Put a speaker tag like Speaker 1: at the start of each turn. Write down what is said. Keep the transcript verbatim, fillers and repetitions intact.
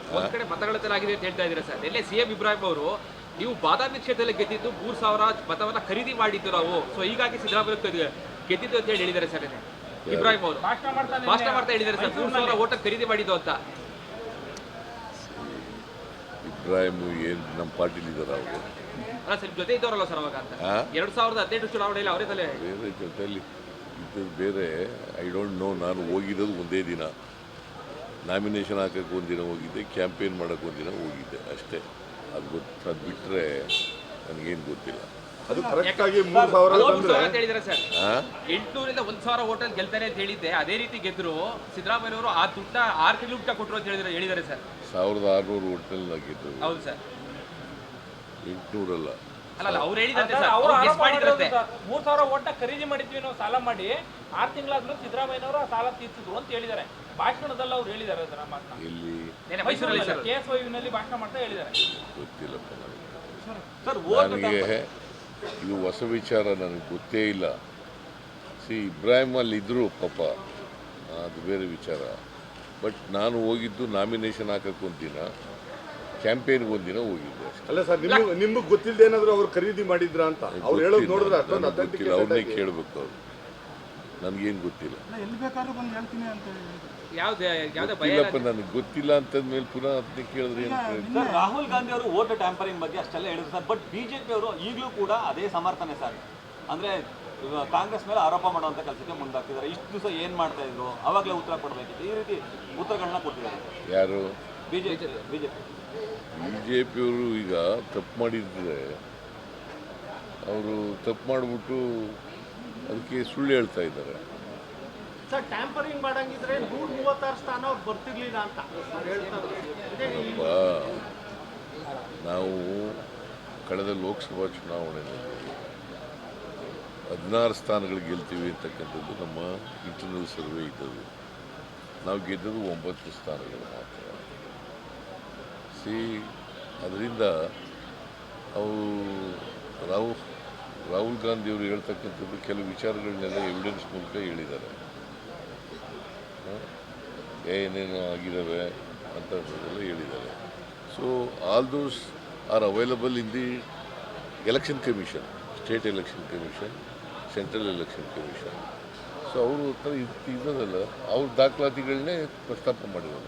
Speaker 1: ಒಂದ್ ಕಡೆ ಮತಗಳಾಗಿದೆ ಅಂತ ಹೇಳ್ತಾ ಇದ್ದೀರಾ ಸರ್. ಎಲ್ಲೇ ಸಿಎಂ ಇಬ್ರಾಹಿಂ ಅವರು ನೀವು ಬಾದಾಮಿ ಕ್ಷೇತ್ರದಲ್ಲಿ ಗೆದ್ದಿದ್ದು ಮೂರ್ ಸಾವಿರ ಮತವನ್ನ ಖರೀದಿ ಮಾಡಿದ್ದು ನಾವು, ಸೊ ಹೀಗಾಗಿ ಸಿದ್ದರಾಮಯ್ಯ ಗೆದ್ದಿದ್ದು ಅಂತ ಹೇಳಿ ಹೇಳಿದ್ದಾರೆ ಸರ್. ಇಬ್ರಾಹಿಂ ಅವರು ಭಾಷಣ ಮಾಡ್ತಾ ಹೇಳಿದ್ದಾರೆ ಸರ್, ಮೂರ್ ಸಾವಿರ ಓಟ ಖರೀದಿ ಮಾಡಿದ್ದು ಅಂತ.
Speaker 2: ಇಬ್ರಾಹಿಂ ಏನು ನಮ್ಮ ಪಾರ್ಟಿಲಿ ಇದ್ದಾರೆ ಅವರು?
Speaker 1: ಅಲ್ಲ ಸರ್, ಜೊತೆ ಇದ್ದವರಲ್ಲ ಸರ್ ಅವಾಗ ಅಂತ. ಎರಡ್ ಸಾವಿರದ ಹದಿನೆಂಟು ಚುನಾವಣೆಯಲ್ಲಿ ಅವರೇ ತಲೆ
Speaker 2: ಬೇರೆ ಜೊತೆಯಲ್ಲಿ ಇದ್ದದ್ದು ಬೇರೆ. I don't know. ನಾನು ಹೋಗಿರೋದು ಒಂದೇ ದಿನ, ನಾಮಿನೇಷನ್ ಹಾಕಕ್ಕೆ ಒಂದಿನ ಹೋಗಿದ್ದೆ, ಕ್ಯಾಂಪೇನ್ ಮಾಡೋಕ್ಕೆ ಒಂದಿನ ಹೋಗಿದ್ದೆ ಅಷ್ಟೇ. ಅದು ಗೊತ್ತು, ಅದು ಬಿಟ್ಟರೆ ನನಗೇನು ಗೊತ್ತಿಲ್ಲ.
Speaker 3: ಅದು ಕರೆಕ್ಟಾಗಿ ಮೂರು ಸಾವಿರ
Speaker 1: ಅಂತ ಹೇಳಿದ್ದಾರೆ ಸರ್. ಎಂಟುನೂರಿಂದ ಒಂದ್ ಸಾವಿರ ಹೋಟೆಲ್ ಗೆಲ್ತಾರೆ ಅಂತ ಹೇಳಿದ್ದೆ, ಅದೇ ರೀತಿ ಗೆದ್ರು ಸಿದ್ದರಾಮಯ್ಯವರು ಆ ದುಡ್ಡ ಆರು ತಿಂಗಳು ಊಟ ಕೊಟ್ಟರು ಅಂತ ಹೇಳಿದ್ರೆ ಹೇಳಿದ್ದಾರೆ ಸರ್.
Speaker 2: ಸಾವಿರದ ಆರುನೂರು ಹೋಟೆಲ್ ಗೆದ್ದು.
Speaker 1: ಹೌದು ಸರ್,
Speaker 2: ಎಂಟುನೂರಲ್ಲ.
Speaker 1: ಅಲ್ಲ ಅವ್ರು ಹೇಳಿದಂತೆ ಸರ್, ಅವ್ರು ಗೆಸ್ ಮಾಡಿದ್ರಂತೆ.
Speaker 4: ಮೂರ್ ಸಾವಿರ ಓಟ್ನ ಖರೀದಿ ಮಾಡಿದ್ವಿ ನಾವು ಸಾಲ ಮಾಡಿ, ಆರು ತಿಂಗಳಾದ್ರೂ ಸಿದ್ದರಾಮಯ್ಯನವರು ಆ ಸಾಲ ತೀರ್ಸಿದ್ರು ಅಂತ ಹೇಳಿದ್ದಾರೆ. ಭಾಷಣದಲ್ಲಿ ಅವ್ರು ಹೇಳಿದ್ದಾರೆ ಸರ್. ನಮ್ಮ
Speaker 2: ಇಲ್ಲಿ
Speaker 1: ಮೈಸೂರಲ್ಲಿ ಸರ್
Speaker 4: ಕೆ ಎಸ್ ವೈನಲ್ಲಿ ಭಾಷಣ ಮಾಡ್ತಾ ಹೇಳಿದ್ದಾರೆ.
Speaker 2: ಗೊತ್ತಿಲ್ಲಪ್ಪ ನನಗೆ. ನನಗೆ ಇದು ಹೊಸ ವಿಚಾರ, ನನಗೆ ಗೊತ್ತೇ ಇಲ್ಲ. ಸಿ ಇಬ್ರಾಹಿಂ ಅಲ್ಲಿ ಇದ್ರು ಪಾಪ, ಅದು ಬೇರೆ ವಿಚಾರ. ಬಟ್ ನಾನು ಹೋಗಿದ್ದು ನಾಮಿನೇಷನ್ ಹಾಕಕ್ಕೆ ಒಂದಿನ, ಕ್ಯಾಂಪೇನ್ಗೆ ಒಂದಿನ ಹೋಗಿದ್ದೆ ಅಷ್ಟೇ.
Speaker 3: ಅಲ್ಲ ಸರ್, ನಿಮ್ಗೆ ನಿಮ್ಗೆ ಗೊತ್ತಿಲ್ಲದೆ ಏನಾದ್ರು ಅವ್ರು ಖರೀದಿ ಮಾಡಿದ್ರ ಅಂತ ಅವ್ರು ಹೇಳೋದು ನೋಡಿದ್ರೆ ಅಷ್ಟೊಂದು
Speaker 2: ಗೊತ್ತಿಲ್ಲ. ಅವ್ರನ್ನೇ ಕೇಳಬೇಕು ಅವ್ರು, ನನಗೇನು ಗೊತ್ತಿಲ್ಲ.
Speaker 5: ಎಲ್ಲಿ ಬೇಕಾದ್ರೂ ಬಂದು ಹೇಳ್ತೀನಿ ಅಂತ
Speaker 1: ಯಾವ್ದೇ ಯಾವ್ದೇ ಭಯ
Speaker 2: ಇಲ್ಲಪ್ಪ, ನನಗೆ ಗೊತ್ತಿಲ್ಲ ಅಂತಂದ್ಮೇಲೆ ಪುನಃ ಅದನ್ನೇ ಕೇಳಿದ್ರೆ ಏನು ಪ್ರಯೋಜನ?
Speaker 6: ಸರ್, ರಾಹುಲ್ ಗಾಂಧಿ ಅವರು ವೋಟ್ ಟ್ಯಾಂಪರಿಂಗ್ ಬಗ್ಗೆ ಅಷ್ಟೆಲ್ಲ ಹೇಳಿದ್ರು ಸರ್. ಬಟ್ ಬಿಜೆಪಿ ಅವರು ಈಗಲೂ ಕೂಡ ಅದೇ ಸಮರ್ಥನೆ ಸರ್. ಅಂದ್ರೆ ಕಾಂಗ್ರೆಸ್ ಮೇಲೆ ಆರೋಪ ಮಾಡುವಂತ ಕೆಲಸಕ್ಕೆ ಮುಂದಾಗ್ತಿದ್ದಾರೆ. ಇಷ್ಟು ದಿವಸ ಏನ್ ಮಾಡ್ತಾ ಇದ್ರು, ಅವಾಗಲೇ ಉತ್ತರ ಕೊಡಬೇಕಿತ್ತು. ಈ ರೀತಿ ಉತ್ತರಗಳನ್ನ ಕೊಟ್ಟಿದ್ದಾರೆ
Speaker 2: ಯಾರು?
Speaker 6: ಬಿಜೆಪಿ ಬಿಜೆಪಿ
Speaker 2: ಬಿಜೆಪಿಯವರು ಈಗ ತಪ್ಪು ಮಾಡಿದ್ರೆ ಅವರು ತಪ್ಪು ಮಾಡಿಬಿಟ್ಟು ಅದಕ್ಕೆ ಸುಳ್ಳು ಹೇಳ್ತಾ ಇದ್ದಾರೆ.
Speaker 5: ಸರ್, ಟ್ಯಾಂಪರಿಂಗ್ ಮಾಡಂಗಿದ್ರೆ ನೂರ ಮೂವತ್ತಾರು ಸ್ಥಾನ ಅವ್ರು ಬರ್ತಿರ್ಲಿಲ್ಲ ಅಂತ
Speaker 2: ನಾವು ಕಳೆದ ಲೋಕಸಭಾ ಚುನಾವಣೆಯಲ್ಲಿ ಹದಿನಾರು ಸ್ಥಾನಗಳು ಗೆಲ್ತೀವಿ ಅಂತಕ್ಕಂಥದ್ದು ನಮ್ಮ ಇಂಟರ್ನಲ್ ಸರ್ವೆ ಇದ್ದದ್ದು. ನಾವು ಗೆದ್ದದ್ದು ಒಂಬತ್ತು ಸ್ಥಾನಗಳು ಮಾತ್ರ. ಸಿ ಅದರಿಂದ ಅವು ರಾಹುಲ್ ರಾಹುಲ್ ಗಾಂಧಿಯವರು ಹೇಳ್ತಕ್ಕಂಥದ್ದು ಕೆಲವು ವಿಚಾರಗಳನ್ನೆಲ್ಲ ಎವಿಡೆನ್ಸ್ ಮೂಲಕ ಹೇಳಿದ್ದಾರೆ. ಏನೇನು ಆಗಿದ್ದಾವೆ ಅಂತದೆಲ್ಲ ಹೇಳಿದ್ದಾರೆ. So all those are available in the election commission, state election commission, central election commission. So ಅವರು ಹತ್ರ ಇದ್ದದಲ್ಲ, ಅವ್ರ ದಾಖಲಾತಿಗಳನ್ನೇ ಪ್ರಸ್ತಾಪ ಮಾಡಿರೋದು.